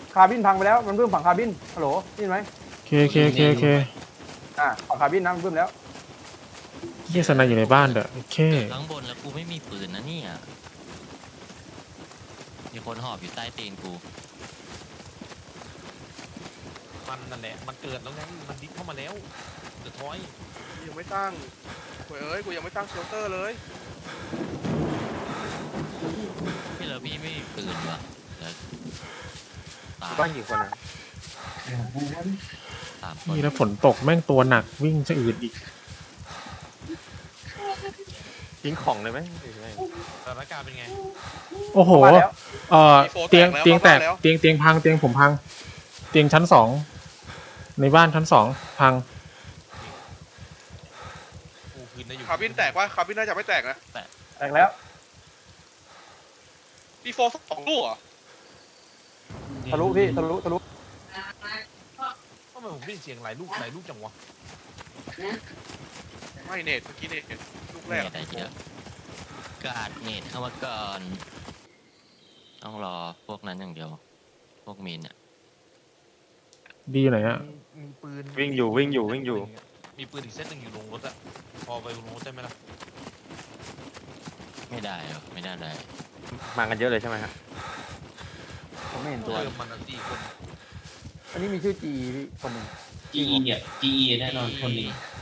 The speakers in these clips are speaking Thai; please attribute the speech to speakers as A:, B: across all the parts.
A: คาร์บินพังไปแล้วมันเพิ่มฝั่งคาร์บินฮัลโหลได้ยินไหม
B: เค
A: ฝั่งคาร์บินนะมันเพิ่มแล้ว
B: เฮียสนายอยู่ในบ้านเด้อเค
C: เกิดข้างบนแล้วกูไม่มีปืนนะเนี่ยมีคนหอบอยู่ใต้ตีนกู
D: มันนั่นแหละมันเกิดแล้วไงมันดิ๊กเข้ามาแล้วเดือดท้อย
E: ยังไม่ตั้งกูยังไม่ตั้งเชลเตอร์เลย
C: พี่เหรอพี่ไม่มีปืนวะเดี๋ยวตาย
A: บ้านกี่คนนะ
C: 3 คน
B: นี่แล้วฝนตกแม่งตัวหนักวิ่งจะอืดอีก
A: ทิ้งของเลยไหม
D: สถานการณ์เป็นไง
B: โอ้โหเตียงแตกเตียงพังเตียงผมพังเตียงชั้น2ในบ้านชั้น2พัง
D: กูคืนได้อยู่
E: คาร์บินแตกวะคาร์บินน่าจะไม่แตกนะ
A: แตกแล้ว
E: ปีโฟ2 ลูกเหรอ
A: ทะลุพี่ทะลุ
D: ทำไมผมได้ยินเสียงหลายลูกจังวะ
E: ไม่เนตเมื่อกี้เนตลูกแร
C: เน
E: ก
C: ตอะไรเยอะกาดเนตเข้ามาก่อนต้องรอพวกนั้นอย่างเดียวพวกมีนอ่ะ
B: ดีอยู่ไหนฮะ
D: มีปืน
A: วิ่งอยู่
D: มีปืนอีกเซตหนึ่งอยู่ลงรถอะพอไปลงรถได้ไหมล่ะ
C: ไม่ได้หรอไม่ได้เลย
A: มากันเยอะเลยใช่ไหมครับผมไม่เห็นตัว
D: มัน4 คน
A: อันนี้มีชื่อจีพี่คนหนึ่ง
F: GE เนี่ย GE แน่นอนคนนี้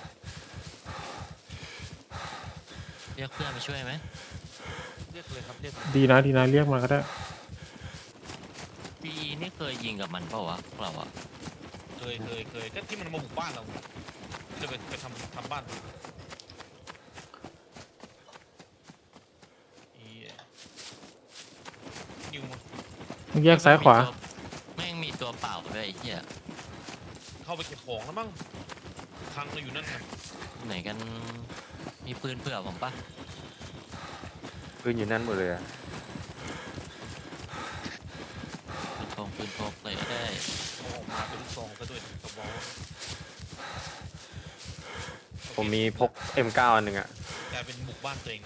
C: เรียกเพื่อนมาช่วยไหม
D: เรียกเลยครับเรียก
B: ดีนะเรียกมาก็ได้
C: ปีนี่เคยยิงกับมันเปล่าวะพวกเราอ่ะ
D: เคยก็ที่มันมาบุกบ้านเราที่เราไปทำบ้านนิวมา
B: มึงแยกซ้ายขวา
C: แม่งมีตัวเปล่าด้วยไอ้เหี้ย
D: เข้าไปเก็บของแล้วมั้งพังเราอยู่นั่นไง
C: ไหนกันมีปืนเผื่อผมปะ
A: ปืนอยู่นั่นหมดเลยอะ
C: ปืนพกเลยก็ได้
D: เอาออกมาเป็นลูกซองซะด้วยกระบอก
A: ผมมีพก M9 อันหนึ่งอะ
D: กลายเป็นบุกบ้านตัวเอง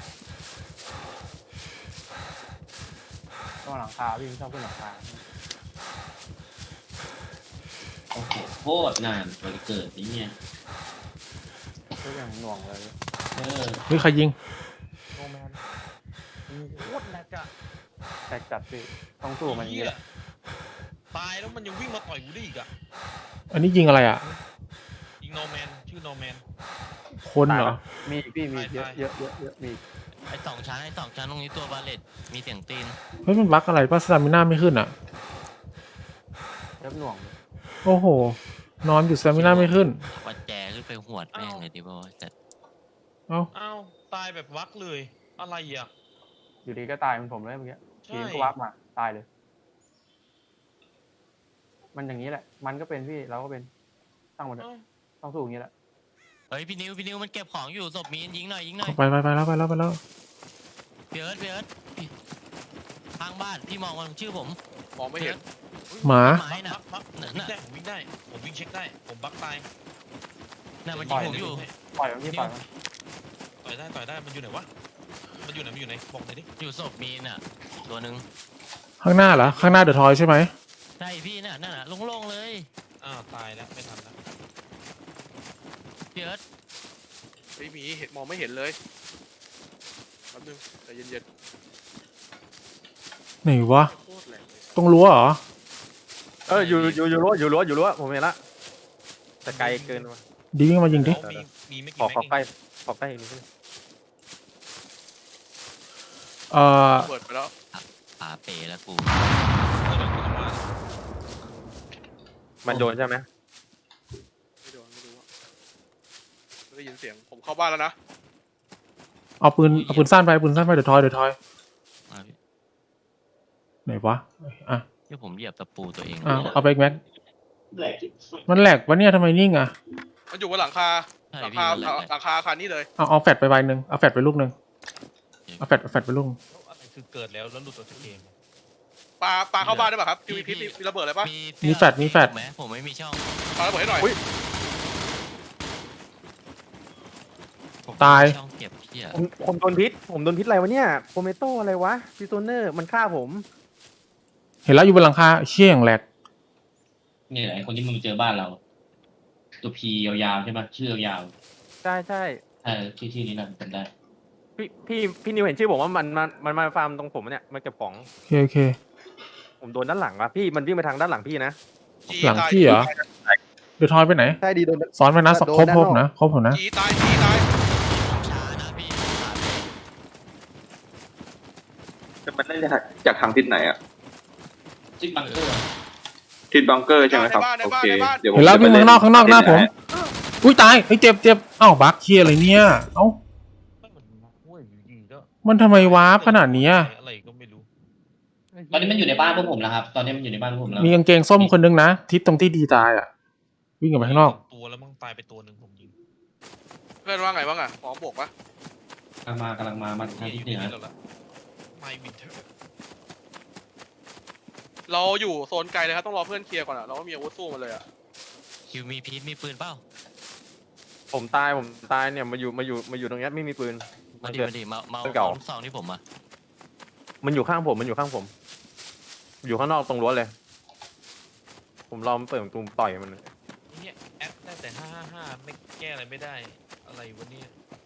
A: ต้องหลังคาพี่ชอบขึ้นหลังคา
F: โอ้โหโคตรนานกว่าจะเกิดนี่เนี่ย
A: ก็อย่างหน่วงเลย
B: เฮ้ยใครยิง
A: โนแมน
D: โคตรแรงอะ
A: แตกจัดพี่ต้องสู้มันอย่างนี้แหละ
D: ตายแล้วมันยังวิ่งมาต่อยกูได้อีกอะ
B: อันนี้ยิงอะไรอ่ะ
D: ยิงโนแมนชื่อโนแมน
B: คนเหรอ
A: มีพี่มี
D: ตาย
A: เยอะมี
C: ไอ้สองชั้นตรงนี้ตัวบาเลตมีเสียงตีน
B: เฮ้ยมันบั๊กอะไรป่ะสตามิน่าไม่ขึ้นอ่ะ
A: เริ่มหน่วง
B: โอ้โหนอนอยู่สตามิน่าไม่ขึ้น
C: วัดแจขึ้นไปหวดแม่งเลยดิบอยแต่
B: เอ้า
D: อ้าวตายแบบวักเลยอะไรอ่ะ
A: อยู่ดีก็ตายเหมือนผมเลยเมื่อกี้
D: ใช่
A: ทีมก็วับมาตายเลย มันอย่างนี้แหละ มันก็เป็นพี่เราก็เป็นตั้งมัน
D: อ้าว
A: ต้องสู้อย่างนี้แหละ
C: เฮ้ยพี่นิวมันเก็บของอยู่ศพมีนยิงหน่อย
B: ไปแล้ว
C: พี่เอิร์ธทางบ้านพี่มองมันชื่อผม
E: มองไม่เห็น
B: หมา
C: ไม้น่ะ
D: บักผมวิ่งได้ผมวิ่งเช็คได้ผมบักตาย
C: น่ะมันยิงผมอยู่
A: ปล่อยมันพี่ปล่อยมัน
D: ต่อยได้มันอยู่ไหนวะมันอยู่ไหนบอกหน่อยดิ
C: อยู่ศพมีนอ่ะตัวหนึ่ง
B: ข้างหน้าเหรอข้างหน้าเดอะทอยใช่ไหม
C: ใช่พี่น่ะนั่นน่ะโล่งๆเลย
D: อ้าวตายแล้วไม่ทันแล้ว
C: พี่เอิร์ธ
E: ไม่มีเห็นมองไม่เห็นเลยแป๊บนึงใจเย็น
B: ไหนวะ
E: ๆโคตรแรงเลย
B: ตรงรั้วเหรอ
A: อยู่รั้วผมเห็นละแต่ไกลเกินว่ะ
B: ดีวิ่งมายิงดิ
D: มีไม่
A: ข
D: กี่
A: อ
D: แม็ก
A: ใกล้
D: เอง
A: ขอใกล้อีกนิดนึง
E: เปิดไปแล้ว
C: ป่าเป๋แล้วกู
D: เออกูจะมา
A: มันโดนใช่ไหม
E: ไม่โดนไม่รู้อะไม่ได้ยินเสียงผมเข้าบ้านแล้วนะ
B: เอาปืนสั้นไปเดอะทอย
C: อ่ะพี่
B: ไหนวะอ่ะ
C: เดี๋ยวผมเหยียบตะปูตัวเอง
B: เอาไปอีกแม็ก
F: แหลก
B: มันแหลกวะเนี่ยทำไมนิ่งอ่ะ
E: มันอยู่บนหลังคา
C: ใช่
E: หลัง
C: พี่
E: คา
C: มันแหละ
E: หลังคาอาคารนี้เลย
B: เอาแฟดไปใบหนึ่งเอาแฟดไปลูกหนึ่งเอาแฟดไปลูก
D: อะไรคือเกิดแล้วหลุดออกจากเกม
E: ปลาเข้าบ้านได้ป่ะครับทีวีพิษมีระเบิดอะไรป่ะ
B: มีแฟด
C: ไหมผมไม่มีช่อง
E: ปาระเบิดให้หน่อย
C: ผม
B: ตาย
C: ไม่มีช่องเก็บเพี้ย
A: ผมโดนพิษอะไรวะเนี่ยโคเมโตอะไรวะพิโซเนอร์มันฆ่าผม
B: เห็นแล้วอยู่บนหลังคาเชี่ยอย่างแหลก
F: นี่แหละไอ้คนที่มันมาเจอบ้านเรา ตัวพียาวๆใช่ไหมชื่อยาว
A: ใช่ใช่
F: ชื่อนี้นะจำได้
A: พี่นิวเห็นชื่อผมว่ามันมาฟาร์มตรงผมเนี่ยมันเก็บของ
B: โอเค
A: ผมโดนด้านหลังว่ะพี่มันวิ่งไปทางด้านหลังพี่นะ
B: หลังพี่เหรอเดือดทอยไปไหน
E: ใช่ดีโดน
B: ซ้อนไปนะครบผมนะครบผมนะ
D: จีตายจีตาย
C: ช้านะพี่ช้าพี่
G: จะมันเล่นจากทางทิศไหนอะ
F: จิ๊บบังเกอร์
G: ทิศบังเกอร์ใช่ไหมครับโอเคเดี๋ยวผม
B: เห็นแล้ววิ่ง
G: จะไป
B: ข้างนอกหน้าผม อุ้ยตายเฮ้ยเจ็บเอ้าบักเคียอะไรเนี่ยเอ้า มันทำไมวาร์ปขนาดนี้อะ
D: อะไรก็ไม่รู้
F: ตอนนี้มันอยู่ในบ้านพวกผมแล้วครับ ตอนนี้มันอยู่ในบ้านพวกผมแล้ว
B: มีกางเกงส้มคนนึงนะทิศตรงที่ดีตายอ่ะวิ่งออกไปข้างนอก
D: ตัวแล้วมั่งตายไปตัวหนึ่งผมยิง
E: เพื่อนว่าไงบ้างอะพร้อมบวกปะ
F: กำลังมาทาง
D: อ
F: ทิศ
D: ยู่
F: เหนือ
D: นี่แล้วล่ะไม่วินเทอร์
E: เราอยู่โซนไกลเลยครับต้องรอเพื่อนเคลียร์ก่อนอะเราไม่มีอาวุธสู้มันเลยอะ
C: คิวมีพีทมีปืนเปล่า
A: ผมตายเนี่ยมาอยู่ตรงเนี้ยไม่มีปืน
C: มาดิมา
A: ปืนเก่า
C: ลูกซองที่ผมอะ
A: มันอยู่ข้างผมอยู่ข้างนอกตรงรั้วเลย ผมรอมันเปิดประตูต่อยมัน
D: เนี่ยแอดได้แต่555ไม่แก้อะไรไม่ได้อะไรวะเนี่ย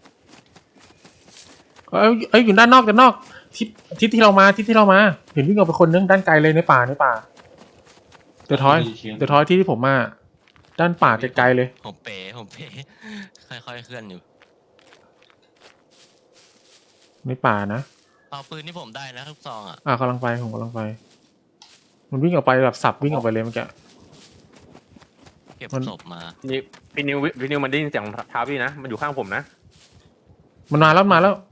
B: เอ้ยอยู่ด้านนอกทิศที่เรามาเห็นวิ่งออกไปคนนึงด้านไกลเลยในป่าเดือดทอยที่ผมมาด้านป่าไกลๆเลย
C: ผมเป๋ค่อยๆเคลื่อนอยู่
B: ในป่านะ
C: เอาปืนที่ผมได้นะลูกซองอะ
B: กำลังไปผมกำลังไป มันวิ่งออกไปแบบสับวิ่งออกไปเลยเมื่อกี้
C: เก็บ
B: มัน
C: ศพมา
A: นี่พี่นิวมันได้ยินเสียงเท้าพี่นะมันอยู่ข้างผมนะ
B: มันมาแล้ว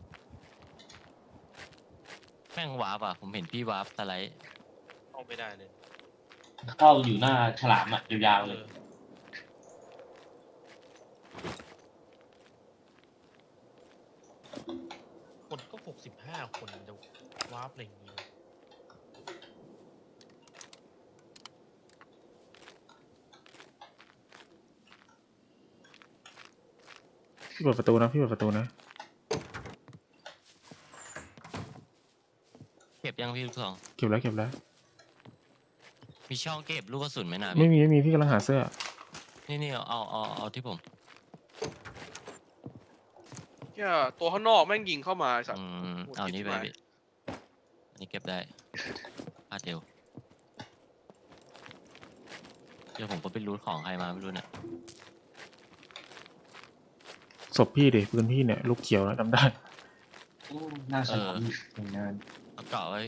C: แม่งวาร์ปอะผมเห็นพี่วาร์ปสไลด์
D: เข้าไม่ได้เลย
F: เข้าอยู่หน้าฉลามอ่ะยาวๆเลย
D: คนก็65คนจะวาร์ปอะไรอย่างงี้
B: พี่เปิดประตูนะ
C: เก็บยังพี่ลูกซอง
B: เก็บแล้ว
C: มีช่องเก็บลูกกระสุนไหมนะ
B: ไม่
C: พี่
B: มีพี่กำลังหาเสื้อ
C: นี่เอาที่ผม
E: เนี่ยตัวข้างนอกแม่งยิงเข้ามาไอ้สัตว์
C: เอานี้ไปพี่อันนี้เก็บได้พาดเดียวเดี๋ยวผมก็ไปรูทของใครมาไม่รู้เนี่ย
B: ศพพี่ดิปืนพี่เนี่ยลูกเขียวนะจำได้
F: หน้าฉลามทำงาน
C: เอาเกาะไว้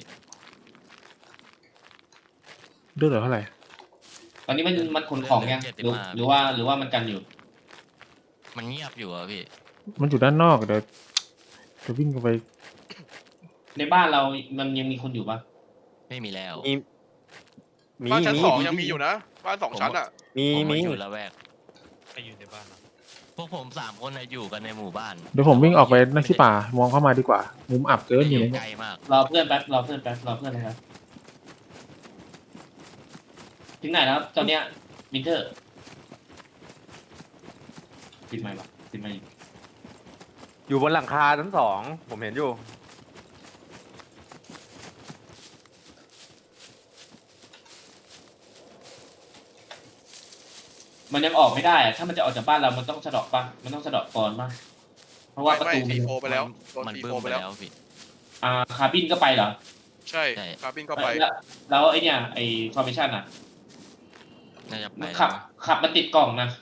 B: เลือดเหลือเท่าไหร่
F: ตอนนี้มันขนของยังหรือว่ามันกันอยู่
C: มันเงียบอยู่อะพี่
B: มันอยู่ด้านนอกเดี๋ยววิ่งไป
F: ในบ้านเรามันยังมีคนอยู่ปะ
C: ไม่มีแล้ว
E: บ้านชั้นสองยังมีอยู่นะบ้านสองชั้นอะ
C: ผมมาอยู่ละแวก
D: ใครอยู่ในบ้านนะ
C: พวกผม3 คนน่ะอยู่กันในหมู่บ้าน
B: เดี๋ยวผมวิ่งออกไปหน้าที่ป่ามองเข้ามาดีกว่ามุมอับเกิน
C: ไม่
B: อยู่
C: ได้
B: ใน
C: ไกลมาก
F: รอเพื่อนนะครับถึงไหนแล้วตอนเนี้ยวินเทอร์ปิดไมค์ปะปิดไมค์
A: อยู่บนหลังคาชั้น2ผมเห็นอยู่
F: มันยังออกไม่ได้อะถ้ามันจะออกจากบ้านเรามันต้องสะเดาะปะมันต้องสะเดาะก่อนปะเพราะว่าประ
E: ไม่
F: ตู
E: ซีโฟไปแล้วโดน
C: มัน
E: ซี
C: บึ้
E: โฟ
C: ม
E: ไป
C: ไป
E: แล้ว
C: แล้วพี่
F: คาร์บินก็ไปเหรอ
E: ใช่คาร์บินก็ไป
F: แล้วไอเนี่ยไอฟอร์เมชั่นอ่ะ
C: น่าจะไป
F: มัน
C: แล้ว
F: ขับมันติดกล่องนะ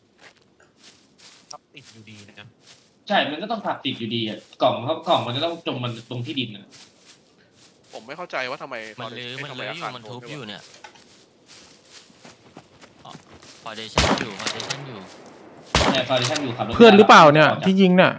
D: ครับติดอยู่ดีนะ
F: ใช่ มันก็ต้องขับติดอยู่ดีอ่ะกล่องมันจะต้องจมมันตรงที่ดินอ่ะ
E: ผมไม่เข้าใจว่าทำไม
C: มันลื้ออยู่
E: ทำไ
C: มันทุบอยู่เนี่ยฟอเดชั่นอยู่
F: เนี่ยฟอร์เรชั่นอยู่ขับรถ
B: เพื่อนหรือเปล่าเนี่ยที่ยิงเนี่ย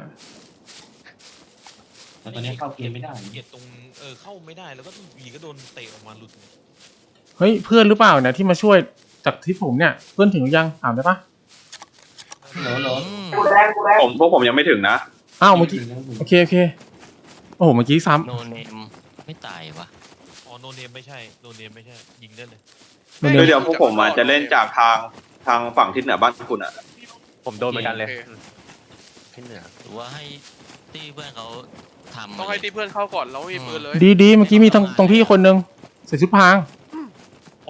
F: แต่ตอนนี้เข้าเกมไม่ได้
D: เกลียดตรงเข้าไม่ได้แล้วก็วีก็โดนเตะออกมาหลุด
B: เฮ้ยเพื่อนหรือเปล่าเนี่ยที่มาช่วยจากที่ผมเนี่ยเพื่อนถึงหรือยังถามได้ปะ
F: โหล
G: พวกผมยังไม่ถึงนะ
B: อ้าวเมื่อกี้โอเคโอ้โหเมื่อกี้ซ้
C: โนเนมไม่ตายวะ
D: อ๋อโนเนมไม่ใช่ยิงได้เลย
B: ำ
G: เดี๋ยวพวกผมอาจจะเล่นจากทางฝั่งทิศเหนือบ้านคุณอ่ะ
A: ผมโดนเหมือนกันเลย
E: โอเค
A: ที่เหนือ
C: หรือว่าให้ตีเพื่อนเขาทำ
E: ต้องให้ที่เพื่อนเข้าก่อนเราไม่มีปืนเลย
B: ดีเมื่อกี้มีตรงพี่คนนึงใส่ชุดพราง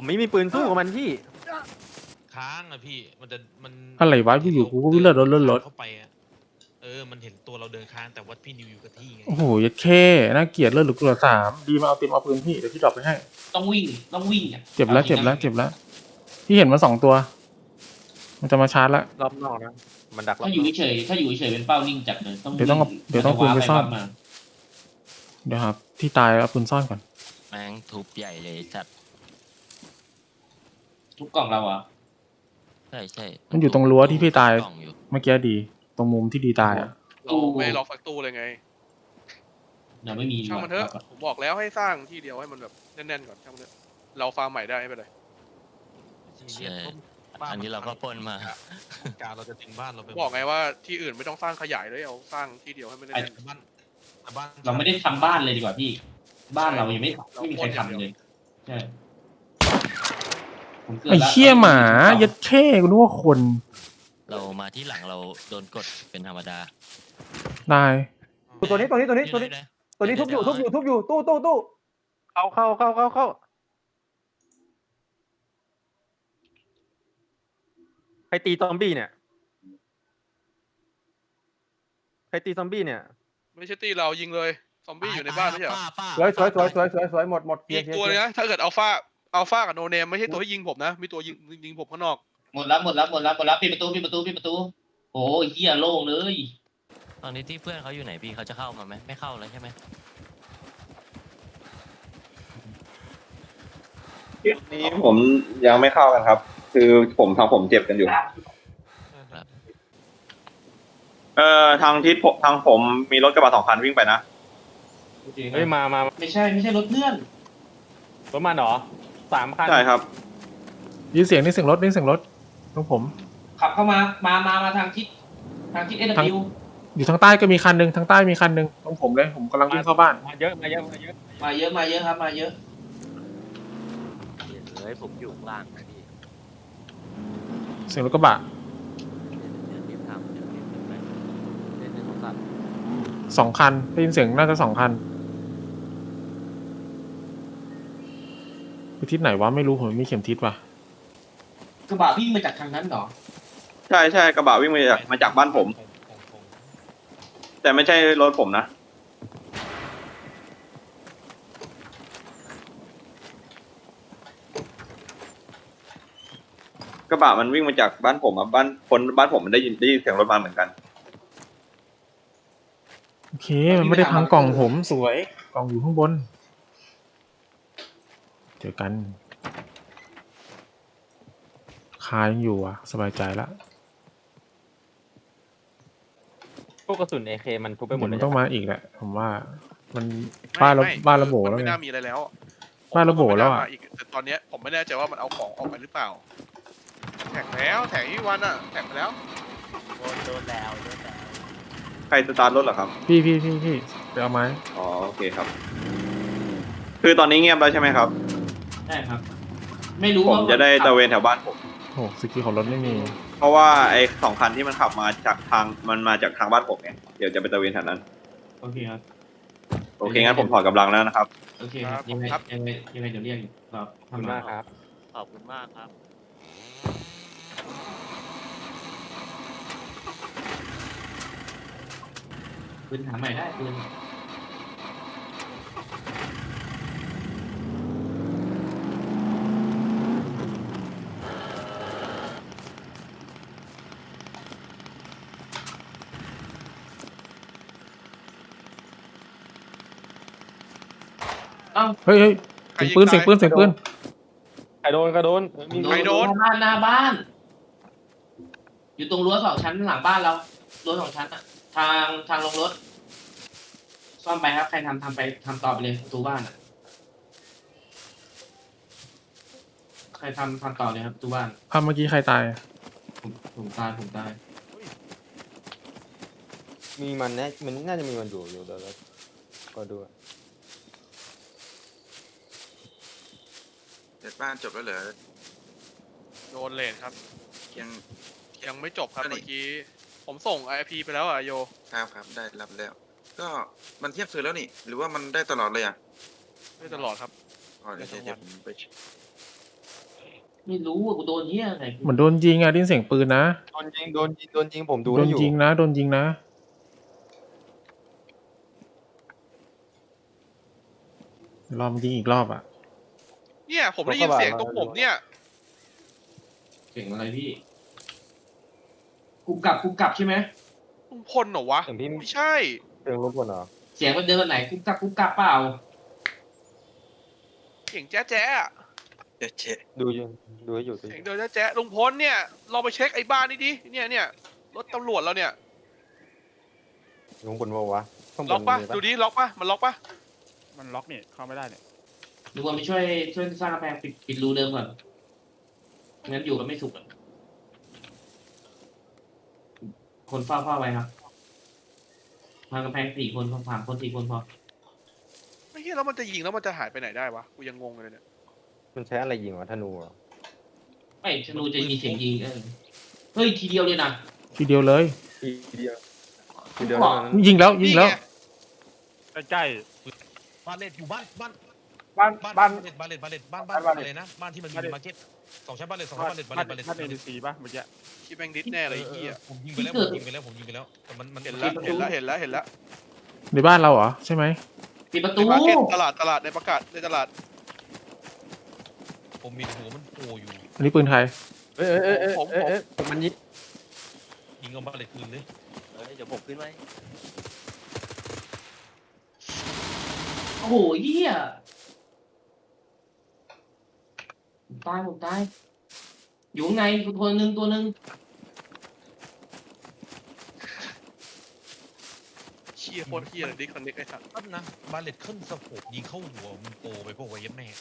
A: ผมไม่มีปืนสู้กับมันพี่
D: ค้างอะพี่มัน
B: อะไรวะอยู่ๆกูก็วิ่งเลื่อนรถ
D: เข้าไปอะมันเห็นตัวเราเดินค้างแต่ว่าพี่นิวอยู่กับที่ไง
B: โอ้โหยัดแค่น่าเกลียดเลือดหรือเกลือ3ดีมาเอาเต็มเอาปืนพี่เดี๋ยวพี่ดรอปไปให้
F: ต้องวิ่งอ่ะ
B: เจ็บแล้วพี่เห็นมา2 ตัว มันจะมาชาร์จแล้ว
A: รอบนอกนะมันดักรอบ
F: ถ้าน อยู่
A: อก
F: เฉยเป็นเป้านิ่งจัดเลยต้อง
B: เดี๋ยวต้องปืนไปซ่อน
F: มา
B: เดี๋ยวครับที่ตายเอาปืนซ่อนก่อน
C: แม่งทุบใหญ่เลยจัด
F: ทุกกล่องเราอ่ะ
C: ใช่
B: มันอยู่ตรงรั้วที่พี่ตาย
C: กล่องอยู่
B: เมื่อกี้ดี ตรงมุมที่ดีตายอ่ะ
E: เราไม่ได้ล็อกสักตู้เลยไง
F: ยังไม่มี
E: ช่างมันเถอะผมบอกแล้วให้สร้างที่เดียวให้มันแบบแน่นๆก่อนช่างมันเถอะเราฟาร์มใหม่ได้ไม่เป็นไร
C: ใช่อันนี้เราก็ปล้นมา
D: การเราจะทิ้งบ้านเราไป
E: บอกไงว่าที่อื่นไม่ต้องสร้างขยายเลยเอาสร้างที่เดียวให้มันแน่น
D: บ้าน
F: เราไม่ได้ทำบ้านเลยดีกว่าพี่ บ้านเรายังไม่มีใครทำเลยใช่ผมเกิด
B: ไอ้
F: แล้ว
B: เชี่ยหมายัดแค่กูนึกว่าคน
C: เรามาที่หลังเราโดนกดเป็นธรรมดา
B: ตาย
A: ตัวนี้ทุบอยู่ตู้เข้าใครตีซอมบี้เนี่ย
E: ๆไม่ใช่ตีเรายิงเลยซอมบี้อยู่ในบ้านไม่ใช่เหรอ
A: สวยหมดเคลี
E: มี
A: ยร์
E: ตัวเลยนะถ้าเกิดอัลฟากับโนเนมไม่ใช่ตัวที่ยิงผมนะมีตัวยิงผมข้างนอก
F: หมดแล้วปิดประตูโอ้ยเหี้ยโล่งเลย
C: ตอนนี้ที่เพื่อนเขาอยู่ไหนพี่เขาจะเข้ามาไหมไม่เข้าแล้วใช่ไหม
G: นี้ผมยังไม่เข้ากันครับ คือผมเจ็บกันอยู่ ทางทิศทางผมมีรถกระบะ2 คันวิ่งไปนะ
A: เฮ้ยมา
F: ไม่ใช่รถเพื่อน
A: รถมันเหรอ3 คัน
G: ใช่ครับ
B: ยินเสียงรถตรงผม
F: ขับเข้ามาทางทิศเอ
B: อยู่ทางใต้ก็มีคันหนึ่งทางใต้มีคันหนึ่งตรงผมเลยผมกำลังวิ่งเข้าบ้าน
A: มาเยอะ
F: มาเยอะครับมาเยอะ
C: เฮ้ยผมอยู่ข้างล่างนะพี่
B: เสียงรถกระบะ
C: เดี๋ยวรีบทำเดี๋ยวรีบไปเล่นในโทรศัพท์
B: 2 คันได้ยินเสียงน่าจะ2 คันไปทิศไหนวะไม่รู้ผมไม่มีเข็มทิศว่ะ
F: กระบะวิ่งมาจากทางนั้นเหรอ
G: ใช่กระบะวิ่งมาจากบ้านผม แต่ไม่ใช่รถผมนะ กระบะมันวิ่งมาจากบ้านผมอ่ะบ้านผมมันได้ยินเสียงรถมาเหมือนกัน
B: โอเคมันไม่ได้พังกล่องผมสวยกล่องอยู่ข้างบนเจอกันคายังอยู่อ่ะสบายใจละ
A: พวกกระสุน AK มันทุบไปหมด
B: เดี๋
A: เลย
B: ยวมันต้องมาอีกแหละผมว่ามันบ้านระโบแล้ว
E: ไม่
B: ไง
E: น่ามีอะไรแล้ว
B: บ้านระโบแล้วอะ
E: ผมว่ามันไม่น่ามาอีกแต่ตอนเนี้ยผมไม่แน่ใจว่ามันเอาของออกไปหรือเปล่าแท็กแล้วแท็กที่วันอ่ะแท็กไปแล้ว
C: โดนแล้ว
G: ใครสตาร์ทรถเหรอครับ
B: พี่ไปเอาไม้
G: อ๋อโอเคครับ คือตอนนี้เงียบแล้วใช่ไหมครับ
F: ใช่ครับ ไม่รู้
G: ผม
F: ว่า
G: จะได้ตระเวนแถวบ้านผม
B: โอ้สกิลของรถไม่มี
G: เพราะว่าไอ้2 คันที่มันขับมาจากทางบ้านผมไงเดี๋ยวจะไปตระเวนแถวนั้น
F: โอเคครับ
G: โอเคงั้นผมถอดกำลังแล้วนะครับ
F: โอเคครับยังไงเดี๋ยวเรียกอยู่ครับ
A: ขอบคุณมากครับ
C: ขอบคุณมากครับ
F: ปืนหาใหม่ได้ปืน
B: เฮ้ยเสียงปืน
A: ใครโดน
E: ใครโดน
F: หน้าบ้าน อยู่ตรงรั้ว2 ชั้นหลังบ้านเรารั้ว2 ชั้นอะทางลงรถซ่อมไปครับใครทำต่อไปเลยประตูบ้านอะใครทำต่อเลยครับประตูบ้าน
B: ภาพเมื่อกี้ใครตาย
F: ผมตาย
A: มีมันน่าจะมีมันอยู่เดี๋ยวเราก็ดู
H: เสร็จบ้านจบแล้วเหรอ
E: โดนเลนครับ
H: ยัง
E: ยังไม่จบครับ
H: อันนี้
E: เมื่อกี้ผมส่ง IP ไปแล้วอ่ะโย
H: ครับได้รับแล้ว ก็มันเทียบคืนแล้วนี่ หรือว่ามันได้ตลอดเลยอ่ะ
E: ไม่ตลอดครับ
H: อ๋อเดี๋ยวผมไป
F: ไม่รู้ว่ากูโดนเหี้ยอะไร
B: เหมือนโดนยิงอ่ะได้ยินเสียงปืนนะ
A: โดนยิงโดนยิงโดนยิงผมดู
B: โด
A: ให้
B: น
A: อยู่
B: ยิงนะโดนยิงนะเดี๋ยวรอมันยิงอีกรอบอ่ะ
E: เนี่ยผมได้ยินเสียงตรงผมเนี่ย
F: เสียงอะไรพี่กูกลับใช่ไหม
E: ลุงพลเหรอวะ
A: เสียงพี่
E: ไม่ใช่
A: เสียงรบกวนเหรอ
F: เสียงมันเดินแบบไหนกูกลับเปล่า
E: เสียงแจ๊ะแจ๊ะอะ
H: เจ๊เจ๊
A: ดูอยู่ดูให้อยู่ดู
E: เสียงเดินแจ๊ะแจ๊ะลุงพลเนี่ยเราไปเช็คไอ้บ้านนี่ดิเนี่ยรถตำรวจเราเนี่ย
A: ลุงบนวะข้างบน
E: ล็อกปะ
A: มี
E: ดูดิล็อกปะมันล็อกปะ
D: มันล็อกนี่เข้าไม่ได้เนี่ย
F: ดูว่าไปช่วยสร้างกำแพงปิดรูเดิมก่อนงั้นอยู่กันไม่สุขอะคนเฝ้าไว้ครับทางกำแพง4 คน3 คน 4 คนพอ
E: ไม่ใช่แล้วมันจะยิงแล้วมันจะหายไปไหนได้วะกูยังงงเลยเนี่ย
A: มันใช้อะไรยิงวะธนูเหรอ
F: ไม่ธนูจะมีเสียงยิงเฮ้ยทีเดียวเลยนะ
B: ทีเดียวเลย
A: ทีเดียวทีเดียว
F: บอก
A: เท่านั้น
B: ยิงแล้วยิงแล้ว
E: นี่ไ
D: ใกล้ๆบ้านเลดอยู่บ้าน
A: บ้าน
D: บ้าน
A: บ้าน
D: บ้านอะไรนะบ้านที่มันมีมาร์เก็ต2 ชั้นบ้านเลด2 ชั้นบ้านเลด
A: บ้านเอ็นซีป่ะเมื่อกี้
E: คิดแม่งดิสแน่เลยไอ้เหี้ย
D: ผมยิงไปแล้วแต่มัน
E: เห็นแล้ว
B: ในบ้านเราเหรอใช่ไหม
F: ปิดประ
E: ใน
F: ตู
E: มาร์เก็ตตลาดในประกาศในตลาด
D: ผมมีหัวมันโผล่อยู่
B: อันนี้ปืนไทย
A: ผมมันยิง
D: ยิงเอาบ้านเลดคืนเลย
C: เดี๋ยวผมขึ้นไว้
F: โอ้โหเหี้ยผมตายอยู่ข้างในตัวหนึ่ง
E: เชี่ยโคตรเหี้ยเลยดิคอนเน็กไอ้สัส
D: ปั๊บนะบ้านเลดขึ้นสะโพกยิงเข้าหัวมันโปไปพวกไว้ยัดแม่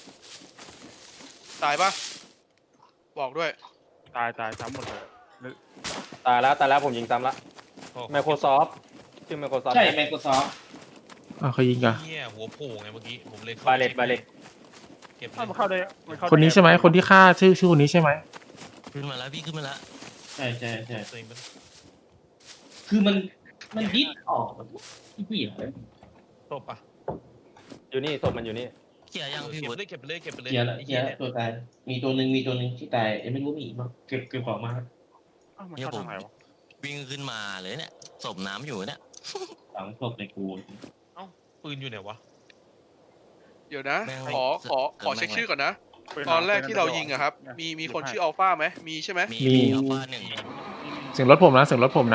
E: ตายปะบอกด้วย
I: ตายซ้ำหมดเลย
A: ตายแล้วผมยิงซ้ำละ Microsoft ชื่อ Microsoft
F: ใช่ Microsoft
B: อ้าวใครยิงอ่ะ
D: เนี่ยหัวโผล่ไงเมื่อกี้ผมเลย
A: บาเลต
D: เก็บ
I: มันเข้าได้มันเข้า
B: คนนี้ใช่ไหมคนที่ฆ่าชื่อคนนี้ใช่ไหม
C: ขึ้นมาแล้วพี่ขึ้นมาแล้ว
F: ใช่
D: ตัวเองมัน
F: คือมันดิ้นออกที่ผู้หญิง
D: ตบอ่ะ
A: อยู่นี่ศพมันอยู่นี่
C: เขี่ยยังพี่
D: เก็บ
C: วุฒิ
D: เลยเก็บไปเลยเก็บไปเลย
F: เกียร์ละ
D: ไอ้
F: เกีย
D: เหี้ย
F: ร์
D: เนี่ย
F: ตัวตายมีตัวหนึ่งที่ตายยังไม่รู้มีอีกมั้งเก็บของมาครับ
I: มันเข้าทางไหนวะ
C: วิ่งขึ้นมาเลยเนี่ยศพน้ำอยู่เนี่ย
F: ฝังศพในกู
D: ปืนอยู่ไหนวะ
E: เดี๋ยวนะ
C: แม่ง
E: ขอเช็คชื่อก่อนนะ ตอนแรกที่เรายิงอะครับ มีคนชื่ออัลฟาไหมมีใช่ไหม
C: มีอัลฟาหนึ่ง
B: เสียงรถผมนะเสียงรถผมนะ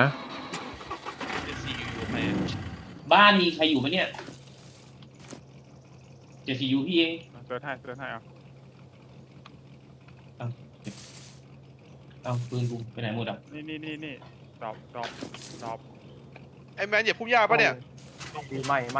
D: CU ไป
F: บ้านมีใครอยู่ไหมเนี่ยเจซียูพี่เอง
I: เดินให้เอา
F: เอาปืนกูไปไหนหมดอ่ะ
I: นี่ดรอป
E: ไอ้แมนเหยียบพุ่มหญ้าปะเนี่ย
A: ไม่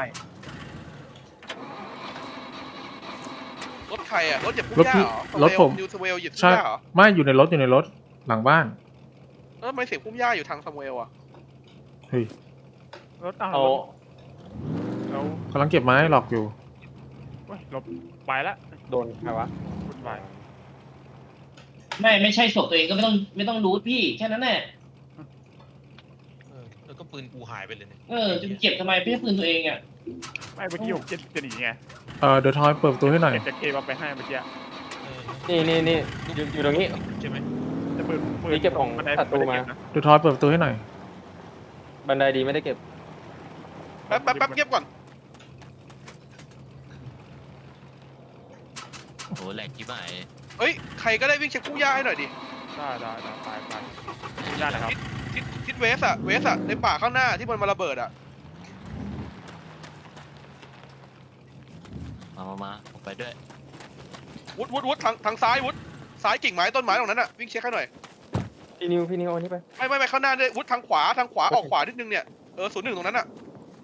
E: รถใครอะรถเหยียบพุ่มหญ้าเหรอ
B: รถผม
E: นิวสเวลเหยียบพุ่ม
B: ใช่
E: หญ้าเหรอ
B: ไม่อยู่ในรถหลังบ้าน
E: แล้วทำไมเสียงพุ่มหญ้าอยู่ทางสเวลอะ
B: เฮ้ย
I: รถ
A: เอา
I: แล้ว
B: กำลังเก็บไม้หลอกอยู่
I: ลบไปละ
A: โดนใครวะ
I: วุ่นวาย
F: ไม่ใช่ศพตัวเองก็ไม่ต้องรูทพี่แค่นั้นแหละ
D: แล้วก็ปืนกูหายไปเลยเนี่ย
F: จะเก็บทำไมไม่ใช่ปืนตัวเองอ่ะ
I: ไม่เมื่อกี้ผมจะหนีไง
B: เดี๋ยวทอยเปิดประตูให้หน่อย
I: เก็บจะเคบับไปให้เมื่อกี้
A: นี่อยู่ตรงนี้
D: ใช่ไหม
I: จะปืน
A: นี่เก็บของ
I: บันได
A: ศัตรูมา
B: เดี๋ยวทอยเปิดประตูให้หน่อย
A: บันไดดีไม่ได้เก็บ
E: แป๊บเงียบก่อน
C: โอ้แหลกที่ไหน
E: เฮ้ยใครก็ได้วิ่งเช็คพุ่มหญ้าให้หน่อยดิ
I: ได้ไปยากนะครับ
E: ทิศเวสอะในป่าข้างหน้าที่มันมาระเบิดอะ
C: มาผมไปด้วย
E: วุฒทางซ้ายวุฒซ้ายกิ่งไม้ต้นไม้ตรงนั้นอะวิ่งเช็คให้หน่อย
A: พี่นิวเอานี่ไป
E: ไม่ข้างหน้าด้วยวุฒทางขวาออกขวานิดนึงเนี่ย01ตรงนั้นอะ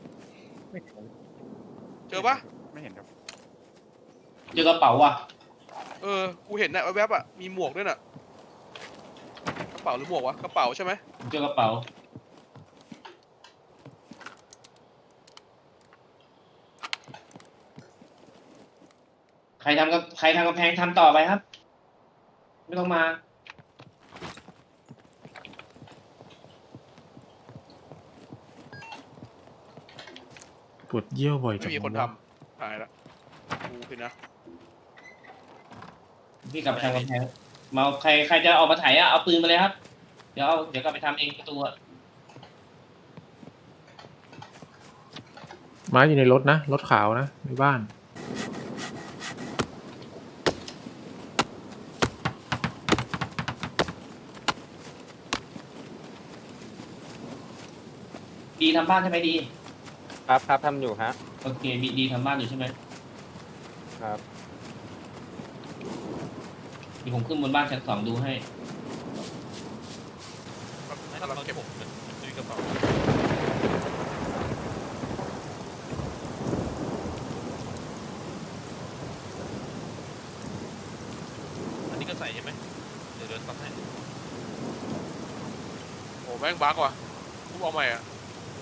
E: เจอปะ
I: ไม่เห็นครับ
F: เจอกระเป๋าว่ะ
E: กูเห็นนะแวบๆอะมีหมวกด้วยน่ะกระเป๋าหรือหมวกวะกระเป๋าใช่ไหม
F: เจอกระเป๋าใครทำกำแพงทำต่อไปครับ ไม่ต้องมา
B: ปวดเยี่ยวบ่อยจั
E: ไม่
B: ง
E: มีคน
B: วะ
E: ทำหายละกูคือนะ
F: พี่กลับไปทำกำแพงมาใครจะออกมาไถอะเอาปืนมาเลยครับ เดี๋ยวกลับไปทำเองประตูอะ
B: ไม้อยู่ในรถนะรถขาวนะในบ้าน
F: ดีทำบ้านใช่ไหมดี
A: ครับครับทำอยู่ฮะ
F: โอเคดีทำบ้านอยู่ใช่ไหม
A: ครับ
F: เดี๋ยวผมขึ้นบนบ้านชั้น 2ดูให้
D: ถ้าเราเก็บผมจะมีกระเป๋าอันนี้ก็ใส่ใช่ไหมเดี๋ยวตัดให้
E: โอ้แม่งบั๊กว่ะกูเอาใหม่อ่ะ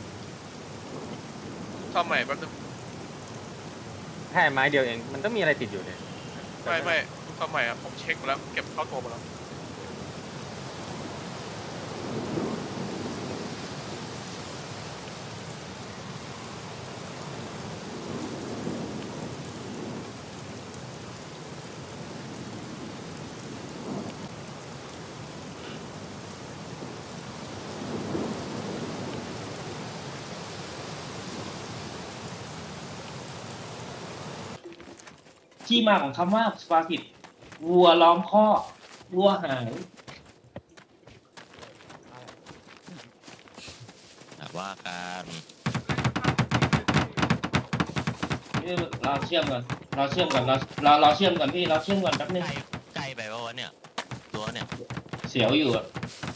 E: ทำใหม่แป๊บนึง
A: แค่ไม้เดียวเอง มันต้องมีอะไรติดอยู่เนี่ย
E: ไม่ทำใหม่อ่ะผมเช็คมาแล้วเก็บเข้าตัวมาแล้ว
F: ที่มาของคำว่าสปากิตวัวล้อมคอกวัวหาย
C: แต่ว่าการ
F: เราเชื่อมก่อนเราเชื่อมก่อนเราเชื่อมก่อนพี่เราเชื่อมก่อนแป๊บนึง
C: ใกล้ไปว่าวะเนี่ยตัวเนี่ย
F: เสียวอยู่อะ